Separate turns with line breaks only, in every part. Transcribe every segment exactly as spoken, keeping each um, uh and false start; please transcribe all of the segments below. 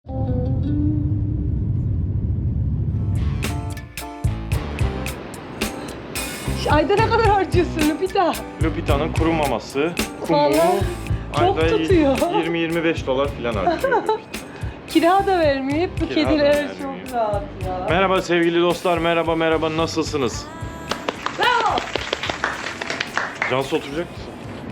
Ayda ne kadar harcıyorsun Lupita?
Lupita'nın kuru maması, kumu,
Vallahi çok
ayda
tutuyor.
yirmi yirmi beş dolar falan harcıyor Lupita.
Kira da vermeyip bu
Kira da
kediler
vermiyor.
çok rahat ya.
Merhaba sevgili dostlar, merhaba merhaba, nasılsınız?
Bravo!
Cansu oturacak mısın?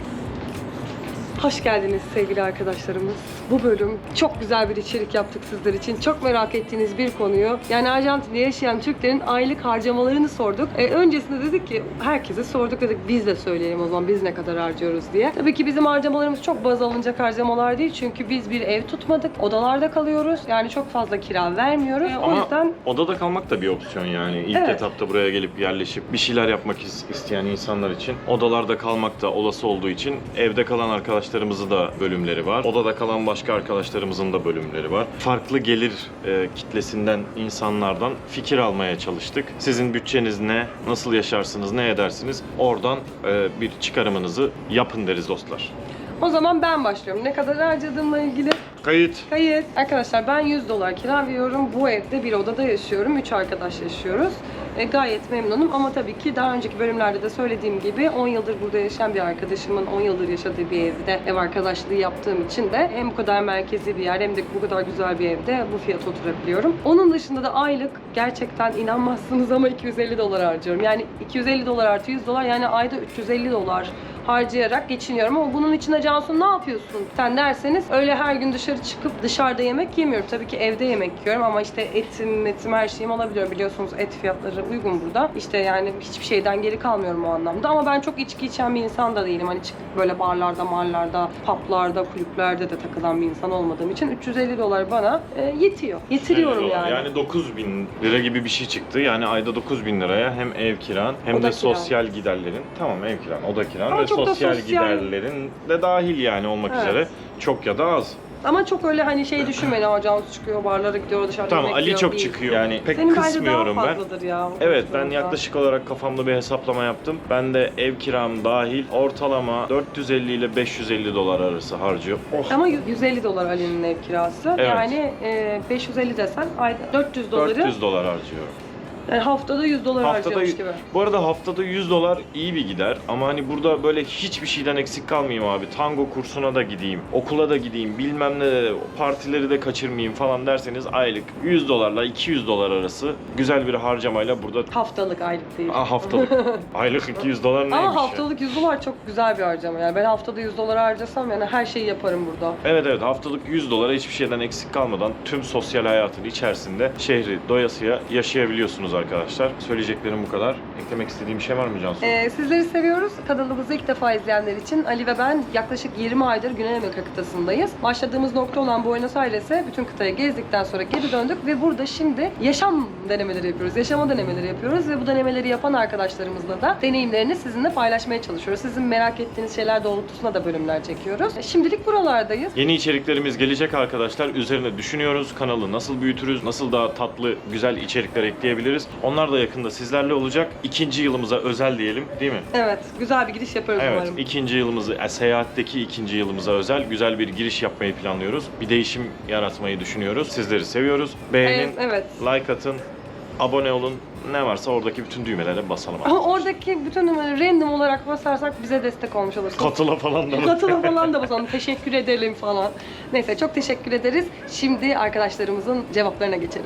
Hoş geldiniz sevgili arkadaşlarımız. Bu bölüm çok güzel bir içerik yaptık sizler için. Çok merak ettiğiniz bir konuyu, yani Arjantin'de yaşayan Türklerin aylık harcamalarını sorduk. E, öncesinde dedik ki herkese sorduk, dedik biz de söyleyelim o zaman biz ne kadar harcıyoruz diye. Tabii ki bizim harcamalarımız çok baz alınacak harcamalar değil. Çünkü biz bir ev tutmadık. Odalarda kalıyoruz. Yani çok fazla kira vermiyoruz. E, o
Ama
yüzden
odada kalmak da bir opsiyon yani. İlk
Evet.
etapta buraya gelip yerleşip bir şeyler yapmak is- isteyen insanlar için odalarda kalmak da olası olduğu için evde kalan arkadaşlarımızın da bölümleri var. Odada kalan başka arkadaşlarımızın da bölümleri var. Farklı gelir e, kitlesinden insanlardan fikir almaya çalıştık. Sizin bütçeniz ne? Nasıl yaşarsınız? Ne edersiniz? Oradan e, bir çıkarımınızı yapın deriz dostlar.
o zaman ben başlıyorum. Ne kadar harcadığımla ilgili
Kayıt.
Kayıt. Arkadaşlar ben yüz dolar kira veriyorum. Bu evde bir odada yaşıyorum. üç arkadaş yaşıyoruz. E, gayet memnunum ama tabii ki daha önceki bölümlerde de söylediğim gibi on yıldır burada yaşayan bir arkadaşımın on yıldır yaşadığı bir evde ev arkadaşlığı yaptığım için de hem bu kadar merkezi bir yer hem de bu kadar güzel bir evde bu fiyata oturabiliyorum. Onun dışında da aylık gerçekten inanmazsınız ama iki yüz elli dolar harcıyorum. Yani iki yüz elli dolar artı yüz dolar, yani ayda üç yüz elli dolar harcayarak geçiniyorum ama bunun içinde Cansu ne yapıyorsun sen derseniz, öyle her gün dışarı çıkıp dışarıda yemek yemiyorum. Tabii ki evde yemek yiyorum ama işte etim, etim her şeyim alabiliyorum. Biliyorsunuz et fiyatları uygun burada. İşte yani hiçbir şeyden geri kalmıyorum o anlamda. Ama ben çok içki içen bir insan da değilim. Hani çıkıp böyle barlarda, marlarda, publarda, kulüplerde de takılan bir insan olmadığım için üç yüz elli dolar bana e, yetiyor. Yetiriyorum yani.
Yani dokuz bin lira gibi bir şey çıktı. Yani ayda dokuz bin liraya hem ev kiran hem
Oda
de
kiran.
sosyal giderlerin, tamam ev kiran, oda kiran
Ama
ve
çok da
sosyal,
sosyal-
giderlerin de dahil yani olmak
Evet.
üzere çok ya da az.
Ama çok öyle hani şey düşünmeyin. Aa, Cansu çıkıyor, barlara gidiyor, dışarıda
Tamam,
yemek
Ali
yiyor
çok
değil.
çıkıyor. Yani pek
Senin bence
kısmıyorum
daha
ben.
fazladır ya.
Evet, ben
Sonuçta.
yaklaşık olarak kafamda bir hesaplama yaptım. Ben de ev kiram dahil ortalama dört yüz elli ile beş yüz elli dolar arası harcıyorum. Oh.
Ama yüz elli dolar Ali'nin ev kirası.
Evet.
Yani e, beş yüz elli desen ayda dört yüz doları,
dört yüz dolar harcıyorum.
yani haftada yüz dolar
Haftada,
harcıyormuş gibi.
bu arada haftada yüz dolar iyi bir gider ama hani burada böyle hiçbir şeyden eksik kalmayayım abi. Tango kursuna da gideyim, okula da gideyim, bilmem ne de, partileri de kaçırmayayım falan derseniz aylık yüz dolarla iki yüz dolar arası güzel bir harcamayla burada.
Haftalık, aylık değil.
Aa, haftalık. Aylık iki yüz dolar neymiş
Ama
ya?
haftalık yüz dolar çok güzel bir harcama yani. Ben haftada yüz dolar harcasam yani her şeyi yaparım burada.
Evet evet, haftalık yüz dolara hiçbir şeyden eksik kalmadan tüm sosyal hayatın içerisinde şehri doyasıya yaşayabiliyorsunuz arkadaşlar. Söyleyeceklerim bu kadar. Eklemek istediğim bir şey var mı Cansu?
Ee, sizleri seviyoruz. Kanalımızı ilk defa izleyenler için Ali ve ben yaklaşık yirmi aydır Güney Amerika kıtasındayız. Başladığımız nokta olan Buenos Aires'e bütün kıtayı gezdikten sonra geri döndük ve burada şimdi yaşam denemeleri yapıyoruz. Yaşama denemeleri yapıyoruz ve bu denemeleri yapan arkadaşlarımızla da deneyimlerini sizinle paylaşmaya çalışıyoruz. Sizin merak ettiğiniz şeyler doğrultusunda da bölümler çekiyoruz. Şimdilik buralardayız.
Yeni içeriklerimiz gelecek arkadaşlar. Üzerine düşünüyoruz. Kanalı nasıl büyütürüz? Nasıl daha tatlı, güzel içerikler ekleyebiliriz? Onlar da yakında sizlerle olacak. İkinci yılımıza özel diyelim, değil mi?
Evet, güzel bir giriş yaparız
Evet,
umarım.
ikinci yılımızı, e, seyahatteki ikinci yılımıza özel güzel bir giriş yapmayı planlıyoruz. Bir değişim yaratmayı düşünüyoruz. Sizleri seviyoruz. Beğenin,
Evet, evet.
like atın, abone olun. Ne varsa oradaki bütün düğmelere basalım.
Ama oradaki bütün numaraları random olarak basarsak bize destek olmuş olursunuz.
Katıla falan da.
Katıla falan da basalım. Teşekkür edelim falan. Neyse, çok teşekkür ederiz. Şimdi arkadaşlarımızın cevaplarına geçelim.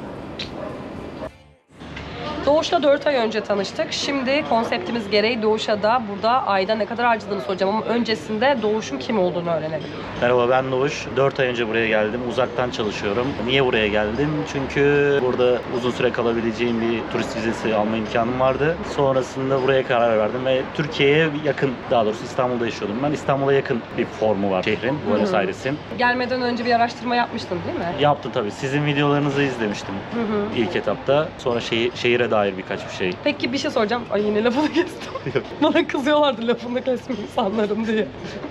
Doğuş'la dört ay önce tanıştık. Şimdi konseptimiz gereği Doğuş'a da burada ayda ne kadar harcadığını soracağım ama öncesinde Doğuş'un kim olduğunu öğrenelim.
Merhaba, ben Doğuş. dört ay önce buraya geldim. Uzaktan çalışıyorum. Niye buraya geldim? Çünkü burada uzun süre kalabileceğim bir turist vizesi alma imkanım vardı. Sonrasında buraya karar verdim ve Türkiye'ye yakın, daha doğrusu İstanbul'da yaşıyordum ben. İstanbul'a yakın bir formu var şehrin, Buenos Aires'in.
Gelmeden önce bir araştırma yapmıştın değil mi?
Yaptım tabii. Sizin videolarınızı izlemiştim
Hı hı.
ilk etapta. Sonra şehir, şehire dair dair birkaç bir şey.
Peki bir şey soracağım. Ay yine lafını kestim. Bana kızıyorlardı lafını kesme insanların diye.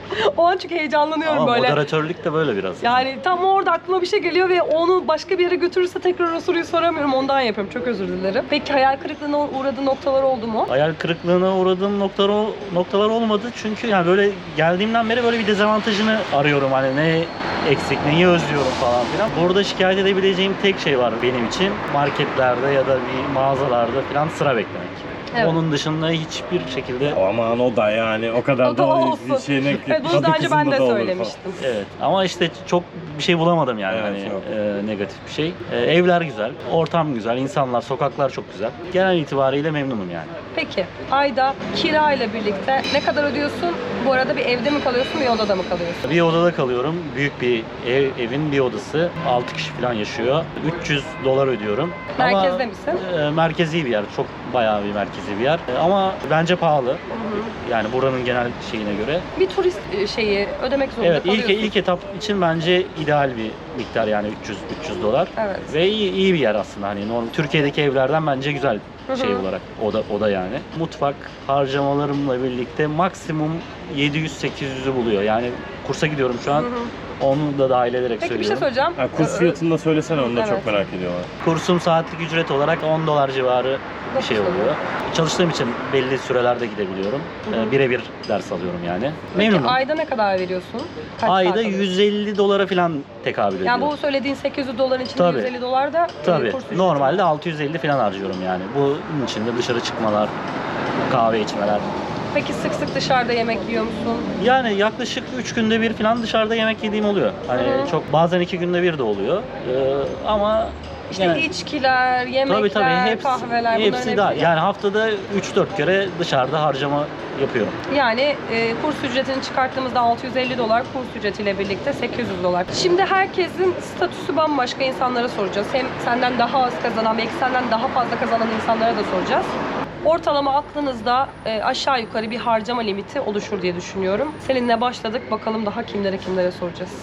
O an çünkü heyecanlanıyorum
Ama
böyle.
moderatörlük de böyle biraz.
Yani tam orada aklıma bir şey geliyor ve onu başka bir yere götürürse tekrar o soruyu soramıyorum. Ondan yapıyorum. Çok özür dilerim. Peki hayal kırıklığına uğradığın noktalar oldu mu?
Hayal kırıklığına uğradığım noktalar, noktalar olmadı çünkü yani böyle geldiğimden beri böyle bir dezavantajını arıyorum, hani ne eksik, neyi özlüyorum falan filan. Burada şikayet edebileceğim tek şey var benim için, marketlerde ya da bir mağazalarda falan sıra beklemek.
Evet.
Onun dışında hiçbir şekilde.
Aman o da yani o kadar
O da olsun.
şeyine
Evet, bunu daha önce ben de söylemiştim.
Evet ama işte çok bir şey bulamadım yani,
Evet,
hani
yok.
e, negatif bir şey. E, evler güzel, ortam güzel, insanlar, sokaklar çok güzel. Genel itibariyle memnunum yani.
Peki ayda kira ile birlikte ne kadar ödüyorsun? Bu arada bir evde mi kalıyorsun, bir odada mı kalıyorsun?
Bir odada kalıyorum. Büyük bir ev, evin bir odası. altı kişi falan yaşıyor. üç yüz dolar ödüyorum.
Merkezde
Ama,
misin?
e, merkezi bir yer. Çok bayağı bir merkezi bir yer. E, ama bence pahalı. Yani buranın genel şeyine göre.
Bir turist e, şeyi ödemek zorunda
Evet, ilk
kalıyorsun.
ilk etap için bence ideal bir miktar, yani üç yüz üç yüz dolar.
Evet.
Ve iyi, iyi bir yer aslında. Hani normal Türkiye'deki evlerden bence güzel
Hı hı.
şey olarak. Oda oda yani. Mutfak harcamalarımla birlikte maksimum yedi yüz sekiz yüzü buluyor. Yani kursa gidiyorum şu an.
Hı hı.
Onu da dahil ederek
Peki bir şey
söylüyorum.
söyleyeceğim.
Ha, kurs
Ö-
fiyatını da söylesene, onu da
Evet.
çok merak ediyorlar.
Kursum saatlik ücret olarak on dolar civarı bir şey
Dokuz
oluyor. Çalıştığım için belli sürelerde gidebiliyorum.
Hı hı.
Ee, Birebir ders alıyorum yani.
Peki
Memnunum.
ayda ne kadar veriyorsun? Kaç saat
Ayda
alıyorsun?
yüz elli dolara falan tekabül ediyor.
Yani bu söylediğin sekiz yüz doların içinde
Tabii.
yüz elli dolar da e,
Tabii.
kurs ücreti.
Normalde altı yüz elli falan harcıyorum yani. Bunun içinde dışarı çıkmalar, kahve içmeler.
Peki sık sık dışarıda yemek yiyor musun?
Yani yaklaşık üç günde bir falan dışarıda yemek yediğim oluyor. Hani
Hı hı.
çok, bazen iki günde bir de oluyor. Ee, ama
İşte
yani-
içkiler, yemekler,
Tabii tabii hepsi,
kahveler bunların
hepsi daha.
hepsi-
Yani haftada üç dört kere dışarıda harcama yapıyorum.
Yani e, kurs ücretini çıkarttığımızda altı yüz elli dolar, kurs ücretiyle birlikte sekiz yüz dolar. Şimdi herkesin statüsü bambaşka, insanlara soracağız. Hem senden daha az kazanan, belki senden daha fazla kazanan insanlara da soracağız. Ortalama aklınızda e, aşağı yukarı bir harcama limiti oluşur diye düşünüyorum. Seninle başladık. Bakalım daha kimlere kimlere soracağız.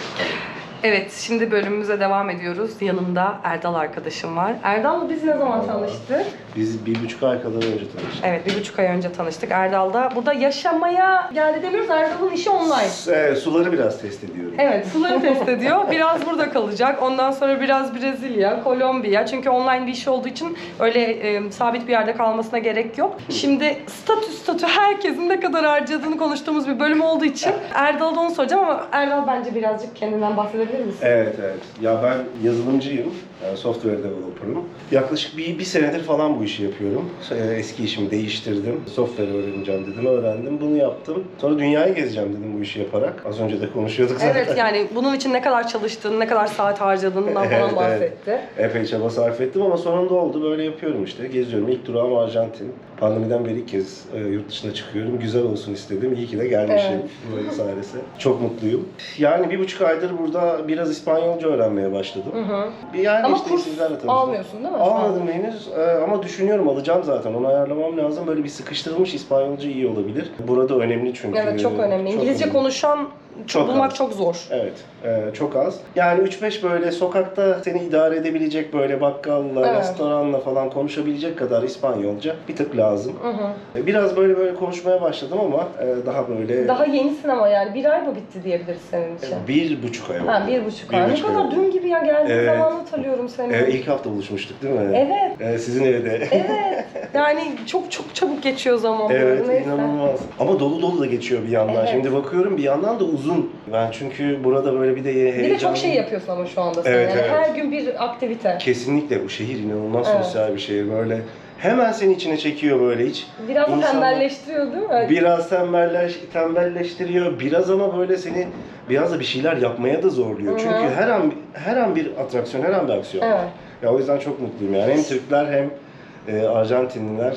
Evet, şimdi bölümümüze devam ediyoruz. Yanımda Erdal arkadaşım var. Erdal'la biz ne zaman tanıştık?
Biz bir buçuk ay kadar önce tanıştık.
Evet, bir buçuk ay önce tanıştık. Erdal da burada yaşamaya geldi demiyoruz. Erdal'ın işi online.
Ee, suları biraz test ediyorum.
Evet, suları test ediyor. Biraz burada kalacak. Ondan sonra biraz Brezilya, Kolombiya. Çünkü online bir iş olduğu için öyle e, sabit bir yerde kalmasına gerek yok. Şimdi statü statü herkesin ne kadar harcadığını konuştuğumuz bir bölüm olduğu için Erdal'da onu soracağım ama Erdal bence birazcık kendinden bahsedebilir misin?
Evet evet. Ya ben yazılımcıyım. Yani software developer'ım. Yaklaşık bir, bir senedir falan bu işi yapıyorum. Ee, Eski işimi değiştirdim. Software öğreneceğim dedim, öğrendim. Bunu yaptım. Sonra dünyayı gezeceğim dedim bu işi yaparak. Az önce de konuşuyorduk zaten.
Evet, yani bunun için ne kadar çalıştığını, ne kadar saat harcadığından falan
Evet,
bahsetti.
evet. Epey çaba sarf ettim ama sonunda oldu. Böyle yapıyorum işte. Geziyorum. İlk durağım Arjantin. Pandemiden beri ilk kez e, yurt dışına çıkıyorum. Güzel olsun istedim. İyi ki de gelmişim.
Evet.
Buenos Aires'e. Çok mutluyum. Yani bir buçuk aydır burada biraz İspanyolca öğrenmeye başladım.
Hı hı.
Yani
Ama
işte
kurs
sizlerle tanıştım.
almıyorsun değil mi?
Almadım henüz e, ama düşünüyorum, alacağım zaten. Onu ayarlamam lazım. Böyle bir sıkıştırılmış İspanyolca iyi olabilir. Burada önemli çünkü.
Evet, çok önemli.
Çok
İngilizce
önemli.
konuşan
Çok
bulmak
az.
çok zor.
Evet, e, çok az. Yani üç beş böyle sokakta seni idare edebilecek böyle bakkalla,
Evet.
restoranla falan konuşabilecek kadar İspanyolca bir tık lazım.
Hı hı.
E, Biraz böyle böyle konuşmaya başladım ama e, daha böyle
Daha yenisin ama yani bir ay mı bitti diyebiliriz senin için?
bir buçuk ay oldu.
Ha, bir buçuk
Bir
ay. Ne
buçuk ay
kadar
oldu.
dün gibi ya, geldiğin
Evet.
zaman hatırlıyorum seni.
E, ilk hafta buluşmuştuk değil mi?
Evet.
E, sizin evde.
Evet. Yani çok çok çabuk geçiyor zaman.
Evet,
Neyse.
inanılmaz. Ama dolu dolu da geçiyor bir yandan.
Evet.
Şimdi bakıyorum bir yandan da uzun. Ben çünkü burada böyle bir de heyecanlı.
Bir de çok şey yapıyorsun ama şu anda sen.
Evet,
yani
evet.
her gün bir aktivite.
Kesinlikle bu şehir inanılmaz
Evet.
sosyal bir şehir. Böyle hemen seni içine çekiyor böyle hiç.
Biraz da
İnsanlar-
tembelleştiriyor değil mi?
Biraz tembelleş, tembelleştiriyor. Biraz ama böyle seni biraz da bir şeyler yapmaya da zorluyor.
Hı hı.
Çünkü her an her an bir atraksiyon, her an bir aksiyon.
Evet.
Ya o yüzden çok mutluyum yani. Hem Türkler hem e, Arjantinliler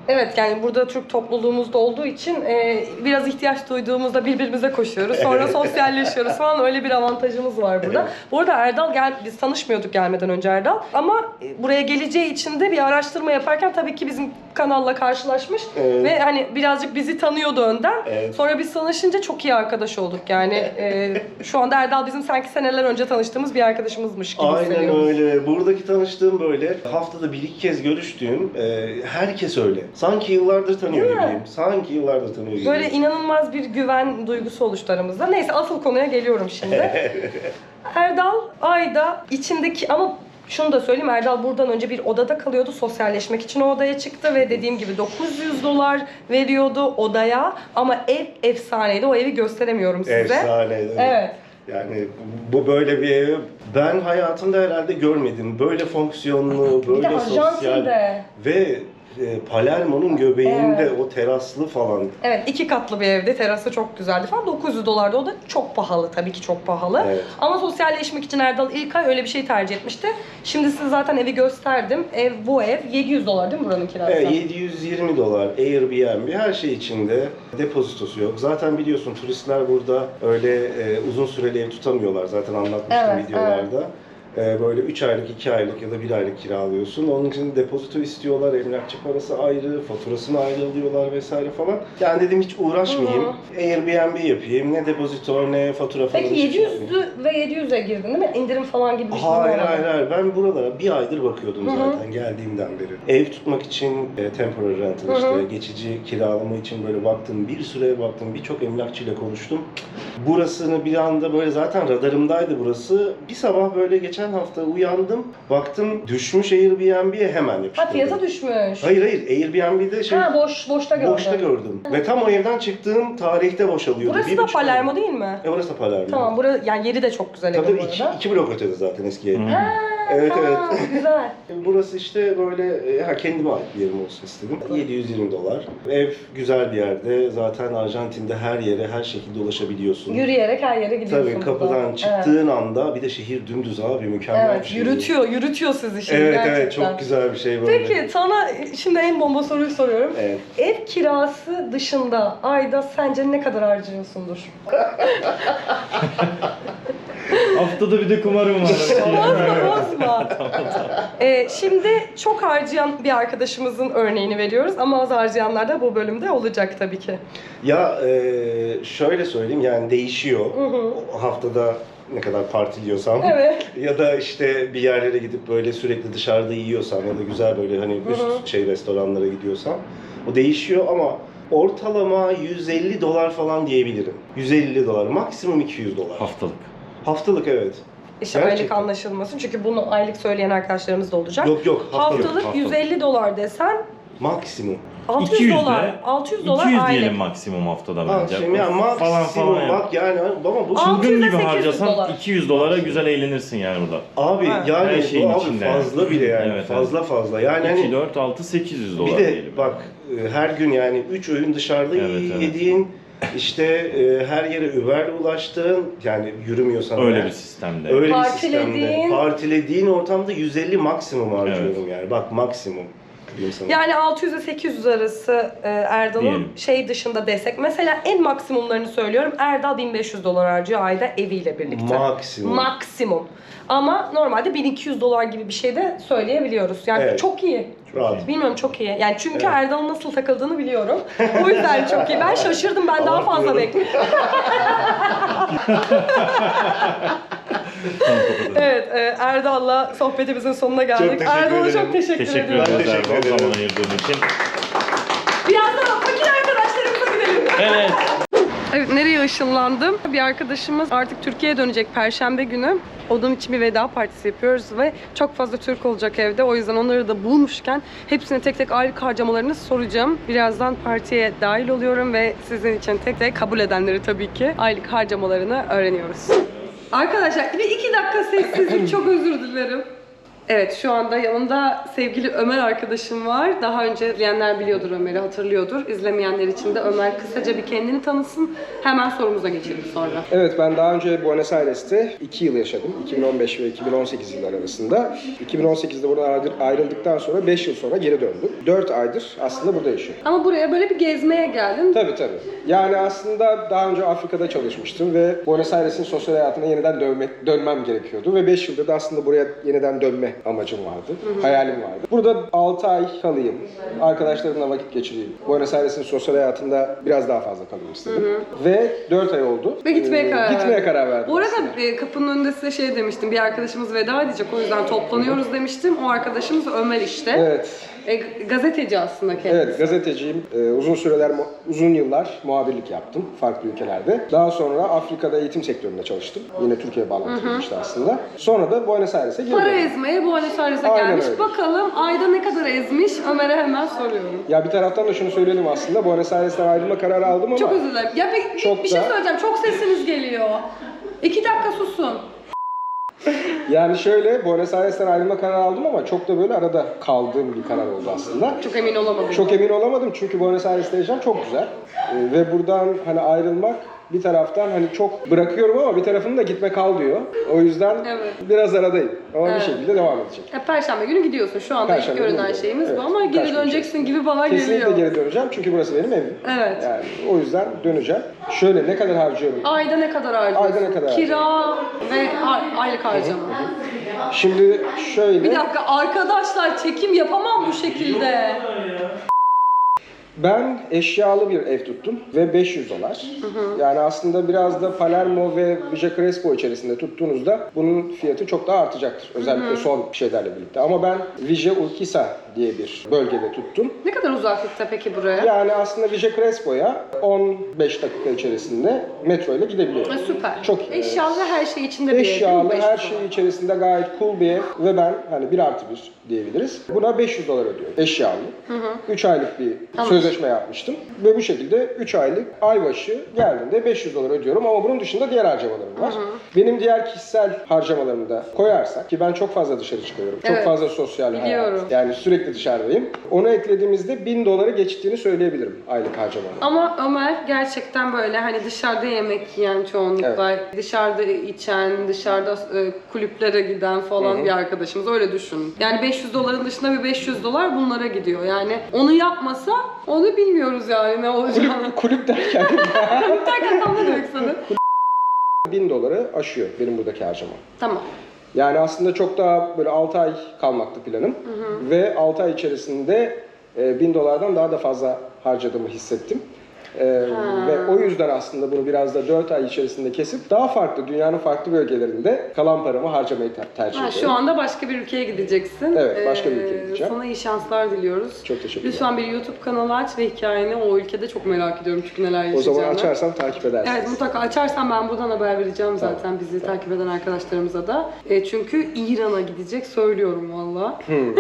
Evet, yani burada Türk topluluğumuzda olduğu için e, biraz ihtiyaç duyduğumuzda birbirimize koşuyoruz. Sonra sosyalleşiyoruz falan, öyle bir avantajımız var burada. Bu arada Erdal, gel, biz tanışmıyorduk gelmeden önce Erdal. Ama buraya geleceği için de bir araştırma yaparken tabii ki bizim kanalla karşılaşmış.
Evet.
Ve hani birazcık bizi tanıyordu önden.
Evet.
Sonra biz tanışınca çok iyi arkadaş olduk yani. E, şu anda Erdal bizim sanki seneler önce tanıştığımız bir arkadaşımızmış gibi
Aynen
hissediyoruz.
öyle. Buradaki tanıştığım böyle haftada bir iki kez görüştüğüm e, herkes öyle. Sanki yıllardır tanıyor
Değil mi?
gibiyim. Sanki yıllardır tanıyor gibiyim.
Böyle inanılmaz bir güven duygusu oluştu aramızda. Neyse, asıl konuya geliyorum şimdi. Erdal ayda içindeki, ama şunu da söyleyeyim, Erdal buradan önce bir odada kalıyordu. Sosyalleşmek için o odaya çıktı ve dediğim gibi dokuz yüz dolar veriyordu odaya. Ama ev efsaneydi. O evi gösteremiyorum size.
Efsaneydi.
Evet.
Yani bu böyle bir evi ben hayatımda herhalde görmedim. Böyle fonksiyonlu,
Bir de
böyle sosyal
Arjantin'de.
ve e, Palermo'nun göbeğinde
Evet.
o teraslı falan.
Evet, iki katlı bir evde, terası çok güzeldi falan. dokuz yüz dolardı, o da çok pahalı, tabii ki çok pahalı.
Evet.
Ama sosyalleşmek için Erdal ilk ay öyle bir şey tercih etmişti. Şimdi size zaten evi gösterdim. Ev, bu ev yedi yüz dolar değil mi buranın kirası?
Evet, yedi yüz yirmi dolar Airbnb, her şey içinde, depozitosu yok. Zaten biliyorsun turistler burada öyle e, uzun süreli ev tutamıyorlar, zaten anlatmıştım
Evet,
videolarda. E, böyle üç aylık, iki aylık ya da bir aylık kiralıyorsun. Onun için depozito istiyorlar, emlakçı parası ayrı, faturasını ayrı alıyorlar vesaire falan. Yani dedim hiç uğraşmayayım,
Hı
Airbnb yapayım, ne depozito ne fatura falan.
Peki
hiçbir
yedi
şey yapmayayım.
yüzlü ve yedi yüze girdin değil mi? İndirim falan gibi bir şey
Hayır
olmadı.
hayır hayır, ben buralara bir aydır bakıyordum
Hı hı.
zaten geldiğimden beri. Ev tutmak için e, temporary rental,
Hı hı.
işte geçici kiralama için böyle baktım, bir süreye baktım, birçok emlakçıyla konuştum. Burasını bir anda böyle, zaten radarımdaydı burası. Bir sabah böyle geçen hafta uyandım, baktım düşmüş Airbnb'ye, hemen yapıştırdım.
Ha, fiyata düşmüş.
Hayır hayır, Airbnb'de şey
Ha, boş, boşta gördüm.
boşta gördüm. Ve tam o evden çıktığım tarihte boşalıyordu.
Burası
Bir
da
buçuk ay.
Palermo değil mi?
E orası da Palermo.
Tamam, burası, yani yeri de çok güzel
Tabii
evin bu
tabii iki,
arada.
iki blok ötede zaten eski ev.
Ha,
Evet,
tamam,
evet.
güzel.
Burası işte böyle, e, ha, kendime ait bir yerim olsun istedim. yedi yüz yirmi dolar. Ev güzel bir yerde. Zaten Arjantin'de her yere, her şekilde ulaşabiliyorsun.
Yürüyerek her yere gidiyorsun.
Tabii kapıdan
buradan.
çıktığın anda, bir de şehir dümdüz abi, mükemmel
Evet,
bir şey.
yürütüyor, yürütüyor sizi şimdi
Evet
gerçekten.
evet, çok güzel bir şey böyle.
Peki sana şimdi en bomba soruyu soruyorum.
Evet.
Ev kirası dışında ayda sence ne kadar harcıyorsundur?
Haftada bir de kumarım var.
Bozma bozma. Ee, şimdi çok harcayan bir arkadaşımızın örneğini veriyoruz ama az harcayanlar da bu bölümde olacak tabii ki.
Ya e, şöyle söyleyeyim, yani değişiyor.
Hı hı.
Haftada ne kadar partiliyorsam.
Evet.
Ya da işte bir yerlere gidip böyle sürekli dışarıda yiyorsam ya da güzel böyle hani üst
Hı hı.
şey restoranlara gidiyorsam, o değişiyor ama ortalama yüz elli dolar falan diyebilirim. yüz elli dolar, maksimum iki yüz dolar.
Haftalık.
Haftalık, evet.
İşte
Gerçekten.
aylık anlaşılmasın çünkü bunu aylık söyleyen arkadaşlarımız da olacak.
Yok yok, haftalık.
Haftalık
haftalık.
yüz elli dolar desen
Maksimum.
altı yüz
iki yüz
dolar.
de,
altı yüz dolar
iki yüz
aylık.
diyelim maksimum haftada
Ha,
bence.
şimdi ya maksimum
falan falan yap.
bak yani, ama bu
Altı
Çılgın
yüz ile
gibi
sekiz yüz
harcasan
dolar.
iki yüz dolara güzel eğlenirsin yani burada.
abi
Ha.
yani
Her şeyin
bu abi
içinde.
fazla bile yani,
Evet,
fazla fazla. Yani
iki,
hani
dört, altı, sekiz yüz dolar
bir de
diyelim.
bak, e, her gün yani üç öğün dışarıda
Evet, evet.
yediğin, işte e, her yere Uber'le ulaştığın, yani yürümüyorsan
Öyle
eğer,
bir sistemde.
öyle bir
Partilediğin-
sistemde partilediğin ortamda yüz elli maksimum harcıyorum yani, bak maksimum diyeyim sana.
Yani altı yüz ile sekiz yüz arası e, Erdal'ın
Diyelim.
şey dışında desek. Mesela en maksimumlarını söylüyorum. Erdal bin beş yüz dolar harcıyor ayda eviyle birlikte.
Maksimum.
Maksimum. Ama normalde bin iki yüz dolar gibi bir şey de söyleyebiliyoruz. Yani
Evet.
çok iyi.
Rahat.
Bilmiyorum, çok iyi. Yani çünkü
Evet.
Erdal'ın nasıl takıldığını biliyorum. O yüzden çok iyi. Ben şaşırdım. Ben daha fazla
Abartmıyorum.
bekliyorum. Evet, e, Erdal'la sohbetimizin sonuna geldik.
Çok teşekkür
Erdal'a
ederim.
çok teşekkür,
Teşekkür
ediyorum.
ederiz
teşekkür
Erdal
ederim.
zaman ayırdığın için.
Birazdan fakir arkadaşlarımıza gidelim.
Evet.
Evet, nereye ışınlandım? Bir arkadaşımız artık Türkiye'ye dönecek Perşembe günü. Onun için bir veda partisi yapıyoruz ve çok fazla Türk olacak evde. O yüzden onları da bulmuşken hepsine tek tek aylık harcamalarını soracağım. Birazdan partiye dahil oluyorum ve sizin için tek tek kabul edenleri tabii ki aylık harcamalarını öğreniyoruz. Arkadaşlar bir iki dakika sessizlik, çok özür dilerim. Evet, şu anda yanımda sevgili Ömer arkadaşım var. Daha önce izleyenler biliyordur Ömer'i, hatırlıyordur. İzlemeyenler için de Ömer kısaca bir kendini tanısın. Hemen sorumuza geçelim sonra.
Evet, ben daha önce Buenos Aires'te iki yıl yaşadım. iki bin on beş ve iki bin on sekiz yılları arasında. iki bin on sekizde buradan ayrıldıktan sonra beş yıl sonra geri döndüm. dört aydır aslında burada yaşıyorum.
Ama buraya böyle bir gezmeye geldin.
Tabii tabii. Yani aslında daha önce Afrika'da çalışmıştım ve Buenos Aires'in sosyal hayatına yeniden dönmek, dönmem gerekiyordu. Ve beş yıldır da aslında buraya yeniden dönme amacım vardı, hı hı. hayalim vardı. Burada altı ay kalayım, arkadaşlarımla vakit geçireyim. Buenos Aires'in sosyal hayatında biraz daha fazla kalayım istedim. Hı hı. Ve dört ay oldu.
Ve gitmeye
ee,
karar
Gitmeye
verdim.
karar verdim.
Bu arada
aslında.
e, kapının önünde size şey demiştim, bir arkadaşımız veda edecek, o yüzden toplanıyoruz demiştim. O arkadaşımız Ömer işte.
Evet.
E, gazeteci aslında kendisi.
Evet, gazeteciyim. Ee, uzun süreler, uzun yıllar muhabirlik yaptım farklı ülkelerde. Daha sonra Afrika'da eğitim sektöründe çalıştım. Yine Türkiye bağlantılı işte aslında. Sonra da Buenos Aires'e geri
Para
döndüm.
ezmeye Buenos Aires'e
Aynen
gelmiş.
öyle.
Bakalım ayda ne kadar ezmiş? Ömer'e hemen soruyorum.
Ya bir taraftan da şunu söyleyelim aslında. Buenos Aires'ten ayrılma kararı aldım ama...
Çok özür dilerim. Ya bir,
Çok
bir şey
da-
söyleyeceğim. Çok sesiniz geliyor. İki dakika susun.
Yani şöyle, Buenos Aires'ten ayrılma kararı aldım ama çok da böyle arada kaldığım bir karar oldu aslında.
Çok emin olamadım.
Çok emin olamadım çünkü Buenos Aires'te yaşam çok güzel. Ee, ve buradan hani ayrılmak bir taraftan hani çok bırakıyorum ama bir tarafım da gitme kal diyor. O yüzden
Evet.
biraz aradayım ama
Evet.
bir şekilde devam edecek.
Ya, Perşembe günü gidiyorsun. Şu anda ilk
Perşembe günü
görünen
gidiyorum.
şeyimiz
Evet,
bu ama geri
birkaç gün
döneceksin
içerisinde.
gibi bana
Kesinlikle
geliyor.
geri döneceğim çünkü burası benim evim.
Evet.
Yani o yüzden döneceğim. Şöyle ne kadar harcıyorum?
Ayda ne kadar harcıyorsun?
Ayda ne kadar
Kira ve ay- aylık harcama.
Şimdi şöyle...
Bir dakika arkadaşlar, çekim yapamam bu şekilde.
Ben eşyalı bir ev tuttum ve beş yüz dolar. Hı hı. Yani aslında biraz da Palermo ve Villa Crespo içerisinde tuttuğunuzda bunun fiyatı çok daha artacaktır. Özellikle hı hı. son şeylerle birlikte. Ama ben Villa Urquiza diye bir bölgede tuttum.
Ne kadar uzaklıkta peki buraya?
Yani aslında Villa Crespo'ya on beş dakika içerisinde metro ile gidebiliyorum.
E, süper.
Çok iyi.
Eşyalı her şey içinde bir ev değil mi?
Eşyalı
beş yüz
her
dolar.
şey içerisinde gayet cool bir ev ve ben hani bir artı bir diyebiliriz. Buna beş yüz dolar ödüyorum. Eşyalı. üç aylık bir
Tamam.
sözleşme yapmıştım. Ve bu şekilde üç aylık ay başı geldiğinde beş yüz dolar ödüyorum ama bunun dışında diğer harcamalarım var. Hı hı. Benim diğer kişisel harcamalarımı da koyarsak ki ben çok fazla dışarı çıkıyorum. Çok
Evet.
fazla sosyal
Biliyorum.
hayat. Yani sürekli dışarıdayım. Onu eklediğimizde bin doları geçtiğini söyleyebilirim aylık harcamalarım.
Ama Ömer gerçekten böyle hani dışarıda yemek yiyen çoğunlukla, dışarıda içen, dışarıda e, kulüplere giden falan
Hı hı.
bir arkadaşımız, öyle düşün. Yani beş yüz doların dışında bir beş yüz dolar bunlara gidiyor. Yani onu yapmasa onu bilmiyoruz yani ne olacağını.
Kulüp, kulüp derken
Kulüp derken tam ne demek istedin?
bin doları aşıyor benim buradaki harcamam.
Tamam.
Yani aslında çok daha böyle altı ay kalmaktı planım. Hı hı. Ve altı ay içerisinde e, bin dolardan daha da fazla harcadığımı hissettim. E, ve o yüzden aslında bunu biraz da dört ay içerisinde kesip daha farklı, dünyanın farklı bölgelerinde kalan paramı harcamayı ter- tercih
Ha,
ediyorum.
şu anda başka bir ülkeye gideceksin.
Evet, başka bir ülkeye
Ee,
gideceğim.
Sana iyi şanslar diliyoruz.
Çok teşekkürler.
Lütfen bir YouTube kanalı aç ve hikayeni o ülkede çok merak ediyorum çünkü neler
O
yaşayacağını.
zaman açarsam takip edersiniz.
Evet, mutlaka açarsan ben buradan haber vereceğim zaten
Tamam.
bizi takip eden arkadaşlarımıza da. E, çünkü İran'a gidecek, söylüyorum valla.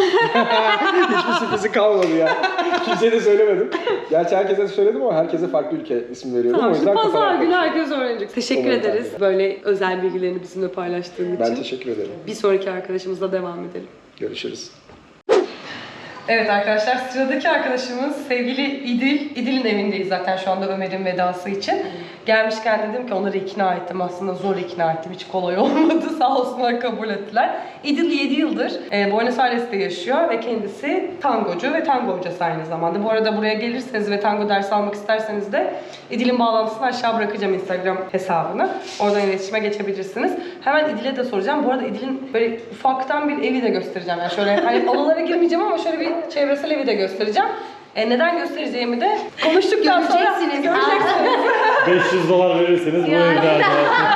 Hiçbir sürprizi kalmadı ya. Kimseye de söylemedim. Gerçi herkese de söyledim ama herkese farklı ülke ismi veriyordum.
Tamam,
o
şimdi
yüzden
pazar
kafalar
günü
karıştı.
herkes öğrenecek. Teşekkür
Umarım
ederiz
tabii.
böyle özel bilgilerini bizimle paylaştığın
Ben
için.
teşekkür ederim.
Bir sonraki arkadaşımızla devam edelim.
Görüşürüz.
Evet arkadaşlar, sıradaki arkadaşımız sevgili İdil. İdil'in evindeyiz zaten şu anda Ömer'in vedası için. Gelmişken dedim ki onları ikna ettim. Aslında zor ikna ettim. Hiç kolay olmadı. Sağ olsunlar kabul ettiler. İdil yedi yıldır e, Buenos Aires'te yaşıyor ve kendisi tangocu ve tango hocası aynı zamanda. Bu arada buraya gelirseniz ve tango dersi almak isterseniz de İdil'in bağlantısını aşağı bırakacağım, Instagram hesabını. Oradan iletişime geçebilirsiniz. Hemen İdil'e de soracağım. Bu arada İdil'in böyle ufaktan bir evi de göstereceğim. Yani şöyle hani odalara girmeyeceğim ama şöyle bir çevresel evi de göstereceğim. E, neden göstereceğimi de konuştuktan sonra
Göreceksiniz.
göreceksiniz.
beş yüz dolar verirseniz bu
Yani.
evde arkadaşlar.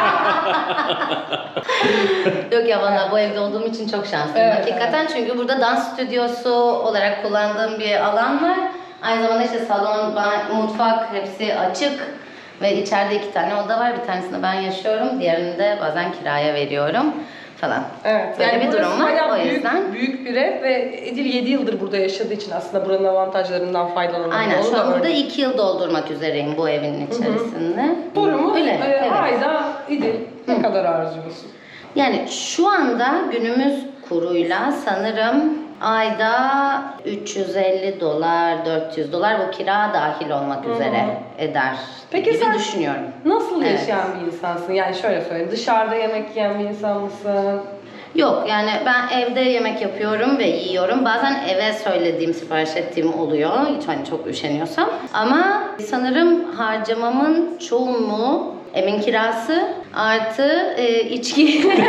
Yok ya, bana bu evde olduğum için çok şanslıyım
Evet,
hakikaten. Çünkü burada dans stüdyosu olarak kullandığım bir alan var. Aynı zamanda işte salon, ban- mutfak hepsi açık. Ve içeride iki tane oda var. Bir tanesinde ben yaşıyorum. Diğerini de bazen kiraya veriyorum falan.
Evet,
Böyle bir
burası
durum var.
bayağı
O
büyük,
yüzden.
büyük bir ev ve Edil yedi yıldır burada yaşadığı için aslında buranın avantajlarından faydalanıyor.
Aynen,
Onu
şu
da
an burada
öyle.
iki yıl doldurmak üzereyim bu evin içerisinde.
Sorumuz
Öyle,
e,
evet.
ayda İdil ne kadar harcıyorsun?
Yani şu anda günümüz kuruyla sanırım ayda üç yüz elli dolar, dört yüz dolar bu kira dahil olmak üzere eder
Peki
gibi
sen
düşünüyorum.
nasıl
Evet.
yaşayan bir insansın? Yani şöyle söyleyeyim, dışarıda yemek yiyen bir insan mısın?
Yok yani ben evde yemek yapıyorum ve yiyorum. Bazen eve söylediğim, sipariş ettiğim oluyor. Hiç hani çok üşeniyorsam. Ama sanırım harcamamın çoğunluğu evin kirası artı e, içki.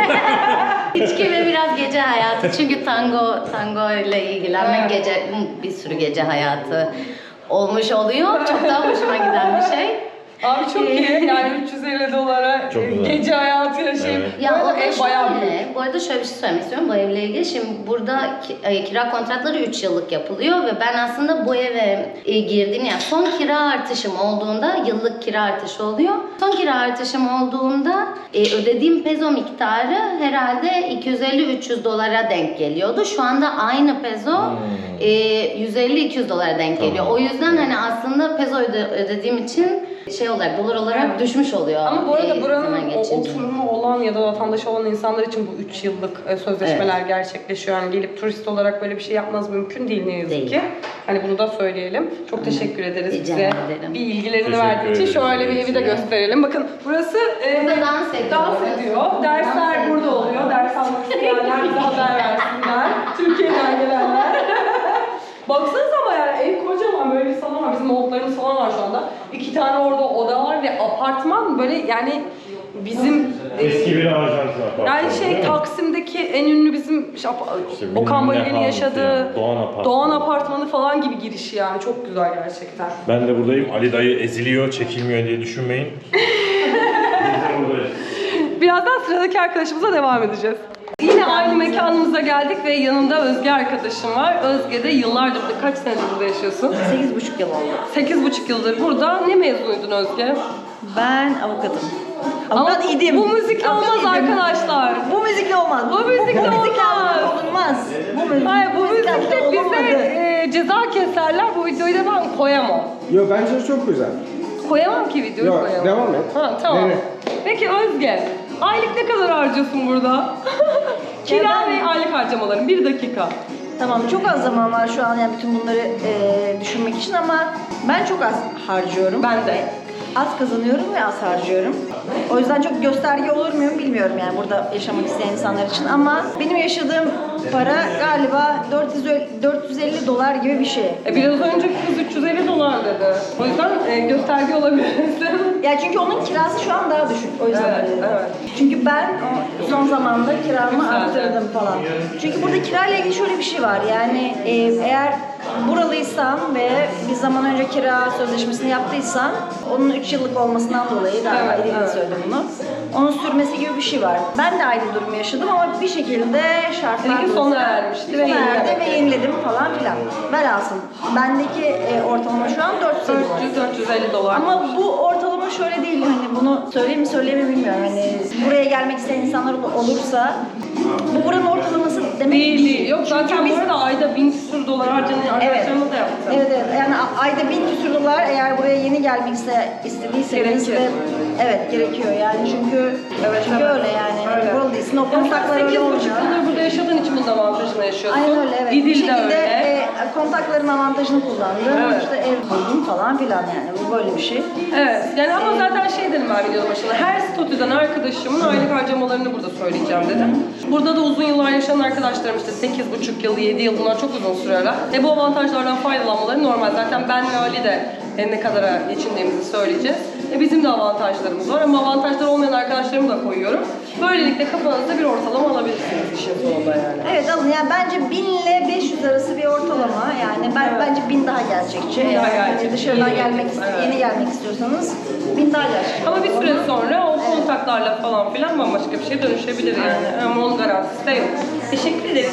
içki ve biraz gece hayatı. Çünkü tango tango ile ilgilenmek
Evet.
gece bir sürü gece hayatı olmuş oluyor. Çok daha hoşuma giden bir şey.
Abi çok iyi. Yani üç yüz elli dolara
Çok
e,
güzel.
gece hayatı yaşayıp.
Evet.
Ya
Bu
o
arada
da
ev bayağı büyük.
şöyle, bu arada şöyle bir şey söylemek istiyorum bu evle ilgili. Şimdi burada ki- e, kira kontratları üç yıllık yapılıyor ve ben aslında bu eve e, girdiğim yani son kira artışım olduğunda yıllık kira artışı oluyor. Son kira artışım olduğunda e, ödediğim peso miktarı herhalde iki yüz elli üç yüz dolara denk geliyordu. Şu anda aynı peso e, yüz elli iki yüz dolara denk geliyor.
Tamam.
O yüzden hani aslında peso öde- ödediğim için şey olarak dolar olarak
Evet.
düşmüş oluyor.
Ama bu arada
e,
buranın
zaman
o
geçince.
oturumu olan ya da vatandaşı olan insanlar için bu üç yıllık e, sözleşmeler gerçekleşiyor. Yani gelip turist olarak böyle bir şey yapmanız mümkün değil ne yazık
Değil.
ki. Hani bunu da söyleyelim. Çok teşekkür ederiz
Rica
bize
ederim.
bir ilgilerini
Teşekkür
verdiği için.
ederiz.
Şöyle bir evi de gösterelim. Bakın burası e,
Burada dans ediyor.
dans ediyor. Dersler
Dans
burada
ediyor.
oluyor. Ders almak isteyenler bize haber versinler. Türkiye'den gelenler. Baksanıza ama yani ev kocaman, böyle bir salon var. Bizim oğullarımız falan var şu anda. İki tane orada oda var ve apartman böyle yani bizim
Eski bir Arjantin apartmanı.
yani şey
değil mi?
Taksim'deki en ünlü bizim işte,
İşte
Okan
bilmem ne
Bayülgen'in
House
yaşadığı
yani, Doğan Apartmanı.
Doğan Apartmanı falan gibi girişi yani çok güzel gerçekten.
Ben de buradayım. Ali dayı eziliyor, çekilmiyor diye düşünmeyin. Biz de buradayız.
Birazdan sıradaki arkadaşımıza devam edeceğiz. Yine aynı mekanımıza geldik ve yanımda Özge arkadaşım var. Özge de yıllardır burada, kaç senedir burada yaşıyorsun?
sekiz buçuk yıl oldu.
sekiz buçuk yıldır burada. Ne mezunuydun Özge?
Ben avukatım.
Ama
Avukat
bu,
idim.
bu müzikle
Avukat
olmaz
idim.
arkadaşlar.
Bu müzikle olmaz.
Bu müzikle olmaz.
avukat olunmaz. Bu müzik,
Hayır bu müzikle bize
olamadı.
e, ceza keserler. Bu videoyu da ben koyamam.
Yo bence çok güzel.
Koyamam ki videoyu
Yo,
koyamam.
devam et.
Ha, tamam.
Dene.
Peki Özge, aylık ne kadar harcıyorsun burada? Kira
Ya ben-
ve aylık harcamaların bir dakika.
Tamam, çok az zaman var şu an yani bütün bunları e, düşünmek için ama ben çok az harcıyorum.
Ben de.
Az kazanıyorum ve az harcıyorum. O yüzden çok gösterge olur muyum bilmiyorum yani burada yaşamak isteyen insanlar için ama benim yaşadığım para galiba dört yüz dört yüz elli dolar gibi bir şey.
E, biraz önce kız üç yüz elli dolar dedi. O yüzden e, gösterge olabilirsin.
Ya çünkü onun kirası şu an daha düşük. O yüzden
Evet,
öyle dedim.
evet.
Çünkü ben o son zamanda kiramı
Güzel.
arttırdım falan. Çünkü burada kirayla ilgili şöyle bir şey var. Yani e, eğer buralıysan ve bir zaman önce kira sözleşmesini yaptıysan onun üç yıllık olmasından dolayı daha
Evet,
evet,
evet.
söyledim bunu. Onun sürmesi gibi bir şey var. Ben de aynı durumu yaşadım ama bir şekilde şartlar
Seninki sona ermişti ve
sona erdi
yenilemek.
ve yeniledim falan filan. Velhasıl bendeki e, ortalama şu an dört yüz elli dolar.
dört yüz dört yüz elli dolar.
Ama bu ortalama şöyle değil hani bunu söyleyeyim mi söyleyeyim mi bilmiyorum hani buraya gelmek isteyen insanlar ol- olursa bu buranın ortalaması demek
değil değil. Yok
Çünkü
zaten
biz-
bu arada ayda bin küsur dolar harcayan arkadaşlarımla da yaptım.
Evet evet yani a- ayda bin küsür dolar eğer buraya yeni gelmek iste, istediyseniz
Gerekir.
ve evet gerekiyor yani çünkü
Evet,
çünkü
evet.
öyle yani
Öyle.
buralı değilsin o
Ya sen
kontaklar öyle
sekiz buçuk
olmuyor.
yıldır burada yaşadığın için bunun avantajını yaşıyorsun.
Aynen öyle evet.
Didil
Bir
de
şekilde
öyle.
e, kontakların avantajını kullandım.
Evet.
İşte ev buldum falan filan yani bu böyle bir şey.
Evet. Yani ama zaten şey dedim ben videonun başında. Her statüden arkadaşımın aylık harcamalarını burada söyleyeceğim dedim. Burada da uzun yıllar yaşayan arkadaşlarım işte sekiz buçuk yıl, yedi yıl bunlar çok uzun süreler. E bu avantajlardan faydalanmaları normal. Zaten ben ve Ali de e, ne kadara geçindiğimizi söyleyeceğiz. E bizim de avantajlarımız var ama avantajları olmayan arkadaşlarımı da koyuyorum. Böylelikle kafanızda bir ortalama alabilirsiniz işin sonunda yani.
Evet alın yani bence bin ile beş yüz arası bir ortalama yani ben
Evet.
bence bin daha gerçekçi.
Bin daha
Eğer hani
gerçekçi.
dışarıdan
Yeni
gelmek
gelmek,
ist-
evet.
yeni gelmek istiyorsanız bin daha gerçekçi.
Ama bir süre sonra o kontaklarla falan filan bambaşka bir şeye dönüşebilir yani. Ama onun garantisi de yok. Teşekkür ederiz.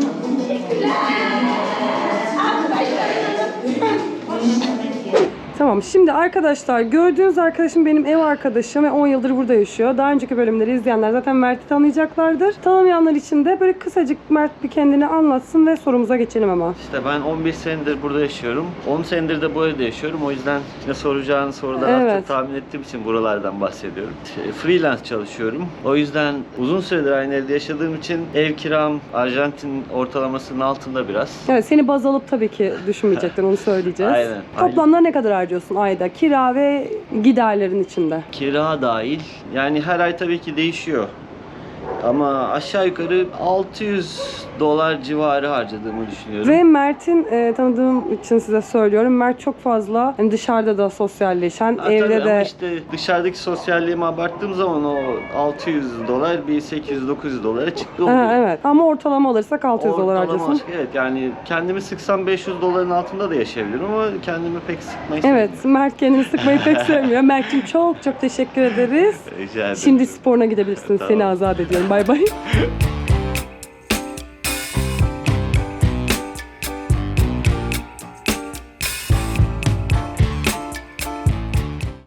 Tamam Tamam, şimdi arkadaşlar gördüğünüz arkadaşım benim ev arkadaşım ve on yıldır burada yaşıyor. Daha önceki bölümleri izleyenler zaten Mert'i tanıyacaklardır. Tanımayanlar için de böyle kısacık Mert bir kendini anlatsın ve sorumuza geçelim ama.
İşte ben on bir senedir burada yaşıyorum. on senedir de bu evde yaşıyorum. O yüzden yine soracağın soruları az
Evet.
çok tahmin ettiğim için buralardan bahsediyorum. Şey, freelance çalışıyorum. O yüzden uzun süredir aynı evde yaşadığım için ev kiram Arjantin ortalamasının altında biraz.
Evet, seni baz alıp tabii ki düşünmeyecekler, onu söyleyeceğiz.
Aynen.
Toplamda ne kadar harcıyorsun ayda? Kira ve giderlerin içinde.
Kira dahil. Yani her ay tabii ki değişiyor. Ama aşağı yukarı altı yüz dolar civarı harcadığımı düşünüyorum.
Ve Mert'in e, tanıdığım için size söylüyorum. Mert çok fazla hani dışarıda da sosyalleşen,
Ha,
evde
tabii
de...
ama işte dışarıdaki sosyalliğime abarttığım zaman o altı yüz dolar bir sekiz yüz dokuz yüz dolara çıktı oluyor.
Ha, evet, ama ortalama alırsak altı yüz dolar
Ortalama
harcıyorsun.
aşk- Evet, yani kendimi sıksam beş yüz doların altında da yaşayabilirim ama kendimi pek sıkmayı
Evet, Mert kendini sıkmayı pek sevmiyor. Mert'cim çok çok teşekkür ederiz.
sevmiyorum. Rica ederim.
Şimdi sporuna gidebilirsin. Seni
Tamam.
azat ediyorum. Bay bay.